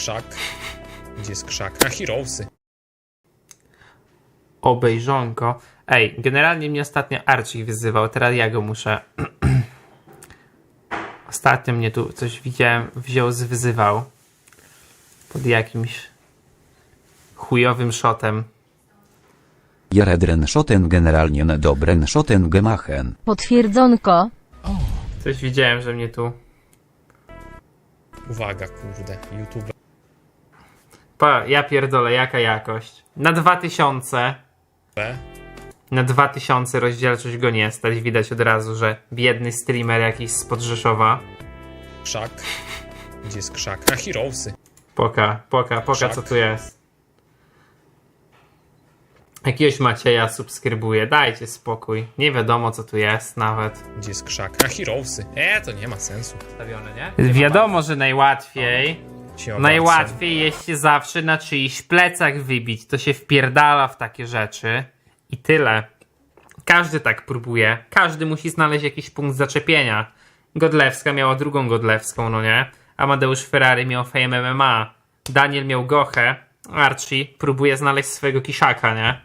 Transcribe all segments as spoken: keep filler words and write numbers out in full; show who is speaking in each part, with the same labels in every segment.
Speaker 1: Krzak. Gdzie jest krzak? A, Heroesy.
Speaker 2: Obejrzonko. Ej, generalnie mnie ostatnio Archie wyzywał, teraz ja go muszę... Ostatnio mnie tu coś widziałem, wziął, zwyzywał. Pod jakimś chujowym shotem.
Speaker 3: Jaredren Schotten generalnie dobren Schotten gemachen.
Speaker 4: Potwierdzonko.
Speaker 2: Coś widziałem, że mnie tu...
Speaker 1: Uwaga, kurde, YouTube.
Speaker 2: Pa, ja pierdolę, jaka jakość. Na dwa tysiące...
Speaker 1: B.
Speaker 2: Na dwa tysiące rozdzielczość go nie stać. Widać od razu, że biedny streamer jakiś spod Rzeszowa.
Speaker 1: Krzak. Gdzie jest krzak? A, Heroesy.
Speaker 2: Poka, poka, poka,
Speaker 1: Krzak.
Speaker 2: co tu jest. Jakiegoś Macieja subskrybuję, dajcie spokój. Nie wiadomo, co tu jest nawet.
Speaker 1: Gdzie jest krzak? A, Heroesy. E, to nie ma sensu.
Speaker 2: Stawione, nie? Wiadomo, że najłatwiej...
Speaker 1: Się
Speaker 2: Najłatwiej jest się zawsze na czyichś plecach wybić. To się wpierdala w takie rzeczy. I tyle. Każdy tak próbuje. Każdy musi znaleźć jakiś punkt zaczepienia. Godlewska miała drugą Godlewską, no nie? Amadeusz Ferrari miał Fame M M A. Daniel miał Gochę. Archie próbuje znaleźć swojego kiszaka, nie?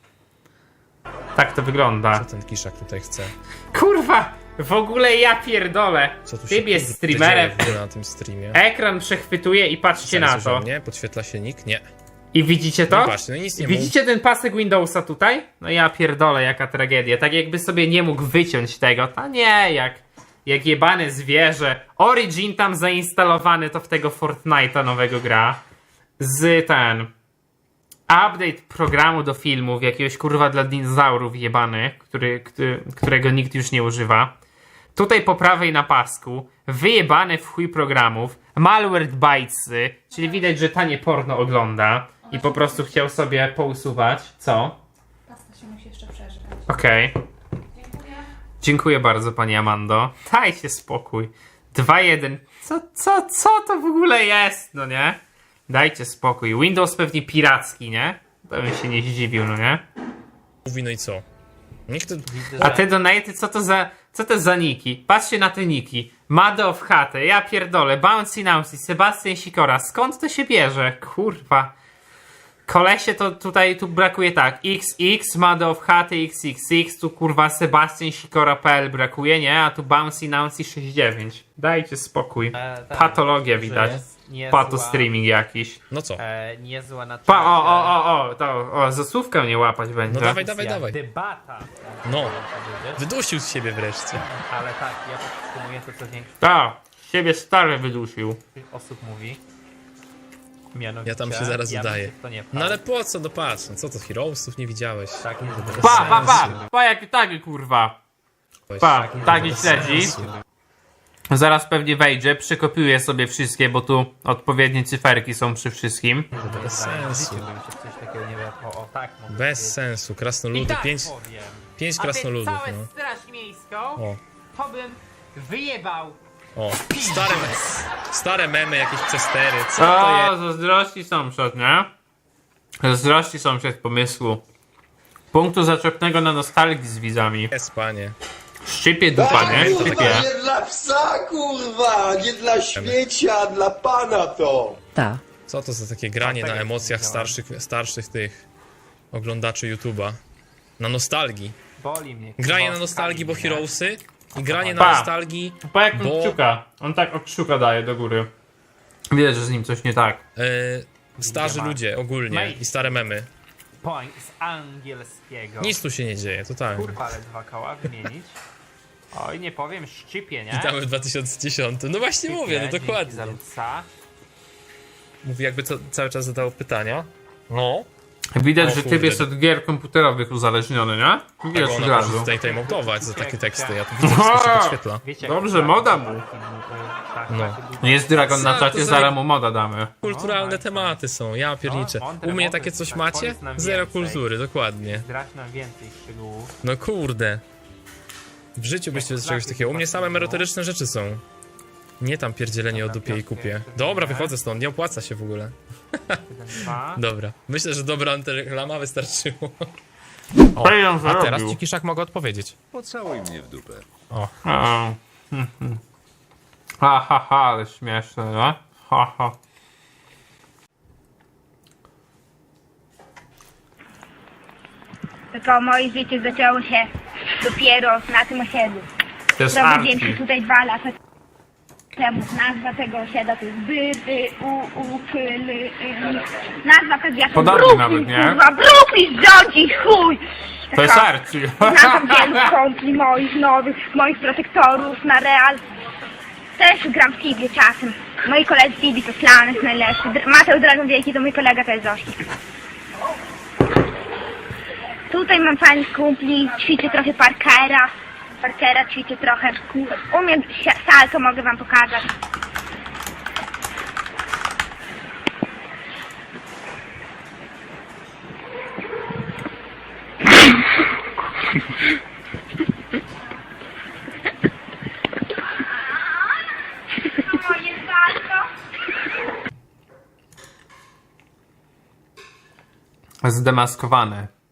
Speaker 2: Tak to wygląda.
Speaker 1: Co ten kiszak tutaj chce?
Speaker 2: Kurwa! W ogóle ja pierdolę.
Speaker 1: Co tu się
Speaker 2: Typ jest
Speaker 1: kurde
Speaker 2: streamerem.
Speaker 1: dzieje w ogóle na tym streamie?
Speaker 2: Ekran przechwytuje i patrzcie na
Speaker 1: Zaraz
Speaker 2: to.
Speaker 1: już Nie, podświetla się nick? Nie.
Speaker 2: I widzicie to?
Speaker 1: No patrzcie, no nic nie mów.
Speaker 2: Widzicie ten pasek Windowsa tutaj? No ja pierdolę, jaka tragedia. Tak jakby sobie nie mógł wyciąć tego. To nie, jak, jak jebane zwierzę. Origin tam zainstalowany, to w tego Fortnite'a nowego gra. Z ten... Update programu do filmów, jakiegoś kurwa dla dinozaurów jebanych, który, który, którego nikt już nie używa. Tutaj po prawej na pasku, wyjebane w chuj programów, malware bitesy, czyli widać, że tanie porno ogląda i po prostu chciał sobie pousuwać. Co?
Speaker 5: Pasta się musi jeszcze przeżyć.
Speaker 2: Okej. Okay. Dziękuję bardzo, pani Amando. Dajcie spokój. dwa jeden. Co, co, co to w ogóle jest, no nie? Dajcie spokój. Windows pewnie piracki, nie? Bym się nie zdziwił, no nie?
Speaker 1: Mówi, no i co? Niech to...
Speaker 2: A te donaty, co to za, co to za niki? Patrzcie na te niki. Mado w chatę, ja pierdolę, Bouncy Nancy, Sebastian Sikora. Skąd to się bierze? Kurwa. Kolesie to tutaj, tu brakuje tak. X X, Mado w chatę, X X X, tu kurwa Sebastian Sikora kropka p l brakuje, nie? A tu Bouncy Nancy sześćdziesiąt dziewięć. Dajcie spokój.
Speaker 6: E, tak,
Speaker 2: Patologia
Speaker 6: że
Speaker 2: widać.
Speaker 6: jest niezła-
Speaker 2: Pato streaming jakiś.
Speaker 1: No co?
Speaker 6: E, niezła na
Speaker 2: Pa, o, o, o, o, to, o, zasłówkę nie łapać będzie.
Speaker 1: No dawaj, dawaj, dawaj.
Speaker 6: Debata.
Speaker 1: No. Wydusił z siebie wreszcie.
Speaker 6: Ale tak, ja podtrzymuję to, co większość
Speaker 2: Ta, siebie stary wydusił.
Speaker 6: osób mówi. Mianowicie,
Speaker 1: Ja tam się zaraz
Speaker 6: ja
Speaker 1: udaję.
Speaker 6: myślę, że to nie
Speaker 1: No ale po co? No patrz, no co to, Heroesów nie widziałeś?
Speaker 6: tak jest,
Speaker 1: Bez
Speaker 2: Pa, pa, pa,
Speaker 1: sensu.
Speaker 2: pa, jaki taki kurwa.
Speaker 1: Weź.
Speaker 2: Pa, taki
Speaker 1: Bez
Speaker 2: śledzi.
Speaker 1: sensu.
Speaker 2: Zaraz pewnie wejdzie, przekopiuję sobie wszystkie, bo tu odpowiednie cyferki są przy wszystkim.
Speaker 1: Bez sensu.
Speaker 6: bym się w coś takiego nie wiadomo. O, tak mogę
Speaker 1: Bez
Speaker 6: powiedzieć.
Speaker 1: sensu.
Speaker 2: I
Speaker 1: Krasnoludy.
Speaker 2: tak
Speaker 1: Pięć,
Speaker 2: powiem.
Speaker 1: pięć
Speaker 2: A
Speaker 1: krasnoludów,
Speaker 2: całe
Speaker 1: no.
Speaker 2: straż miejską,
Speaker 1: O,
Speaker 2: to bym wyjebał.
Speaker 1: o. Stare, stare memy, jakieś przestery. Co to jest?
Speaker 2: O, zazdrości sąsiad, nie? Zazdrości sąsiad pomysłu. Punktu zaczepnego na nostalgii z widzami.
Speaker 1: Jest, panie.
Speaker 2: Szczypie dupa, nie?
Speaker 1: to
Speaker 2: Szczypie.
Speaker 1: takie-
Speaker 7: Nie dla psa, kurwa! Nie dla śmiecia, dla pana to!
Speaker 4: Ta.
Speaker 1: Co to za takie granie na
Speaker 6: tego
Speaker 1: emocjach
Speaker 6: nie
Speaker 1: starszych, starszych tych oglądaczy YouTube'a? Na nostalgii.
Speaker 6: Boli mnie.
Speaker 1: Granie
Speaker 6: kurwa,
Speaker 1: na nostalgii, bo
Speaker 6: skali, nie?
Speaker 1: Heroesy i granie na
Speaker 2: Pa.
Speaker 1: nostalgii,
Speaker 2: Pa jak on
Speaker 1: Bo-
Speaker 2: kciuka. On tak od kciuka daje do góry. Widać, że z nim coś nie tak.
Speaker 1: e, starzy ludzie ogólnie
Speaker 6: Mate.
Speaker 1: i stare memy.
Speaker 6: Point z angielskiego.
Speaker 1: Nic tu się nie dzieje, totalnie.
Speaker 6: Kurwa, ale dwa koła wymienić. Oj, nie powiem, szczypie, nie?
Speaker 1: Witamy w dwa tysiące dziesiątym. No właśnie
Speaker 6: Szczypie,
Speaker 1: mówię, no
Speaker 6: dzięki
Speaker 1: dokładnie.
Speaker 6: za lutsa.
Speaker 1: Mówi jakby co, cały czas zadało pytania. No.
Speaker 2: Widać,
Speaker 1: O
Speaker 2: że typ
Speaker 1: kurde.
Speaker 2: jest od gier komputerowych uzależniony, nie? Widać
Speaker 1: Tego
Speaker 2: od
Speaker 1: ona może
Speaker 2: razu.
Speaker 1: tutaj timeoutować za takie teksty. Ja tu widzę, wszystko się podświetla.
Speaker 6: Wiecie,
Speaker 2: Dobrze,
Speaker 6: jak-
Speaker 2: moda mu.
Speaker 6: Tak,
Speaker 1: No.
Speaker 6: tak,
Speaker 2: Jest Dragon na
Speaker 1: Co
Speaker 2: czacie,
Speaker 1: to za-
Speaker 2: zaraz mu moda damy.
Speaker 1: Kulturalne tematy są, ja pierniczę.
Speaker 6: No, mądre,
Speaker 1: U mnie
Speaker 6: mądre,
Speaker 1: takie coś
Speaker 6: tak,
Speaker 1: macie?
Speaker 6: powiedz nam
Speaker 1: Zero
Speaker 6: więcej.
Speaker 1: kultury, dokładnie.
Speaker 6: Zdradź nam więcej szczegółów.
Speaker 1: No kurde. W życiu byście z czegoś takiego. U mnie same merytoryczne rzeczy są. Nie tam pierdzielenie o dupie i kupie. Dobra, wychodzę stąd, nie opłaca się w ogóle.
Speaker 6: Jeden, dwa.
Speaker 1: Dobra. Myślę, że dobra antyreklama wystarczyło.
Speaker 2: O,
Speaker 1: A teraz ci Kiszak mogę odpowiedzieć.
Speaker 7: Pocałuj mnie w dupę.
Speaker 2: Ha, ha, ha, ale śmieszne, no? Ha, ha.
Speaker 4: Tylko moje życie zaczęło się dopiero na tym osiedlu.
Speaker 2: To jest
Speaker 4: Prowadziłem się
Speaker 2: Archie.
Speaker 4: tutaj dwa lata temu. Nazwa tego osiedla to jest By, By, U, U, K, L, y. Nazwa pewnie
Speaker 2: Podobnie
Speaker 4: Brooklyn,
Speaker 2: nawet, nie?
Speaker 4: kurwa, Brooklyn rządzi, chuj!
Speaker 2: To jest
Speaker 4: Taka-
Speaker 2: Archie.
Speaker 4: Znam wielu kompli moich nowych, moich protektorów na Real. Też gram w Fibie czasem. Moi koledzy Fibi to Slanes najlepszy. Dr- Mateusz Dragon Wielki to mój kolega, to jest Zośnik. Tutaj mam fajnych kumpli, ćwiczę trochę parkera. Parkera ćwiczę trochę. Umiem si- salto, mogę wam pokazać. Moje salto.
Speaker 2: Zdemaskowane.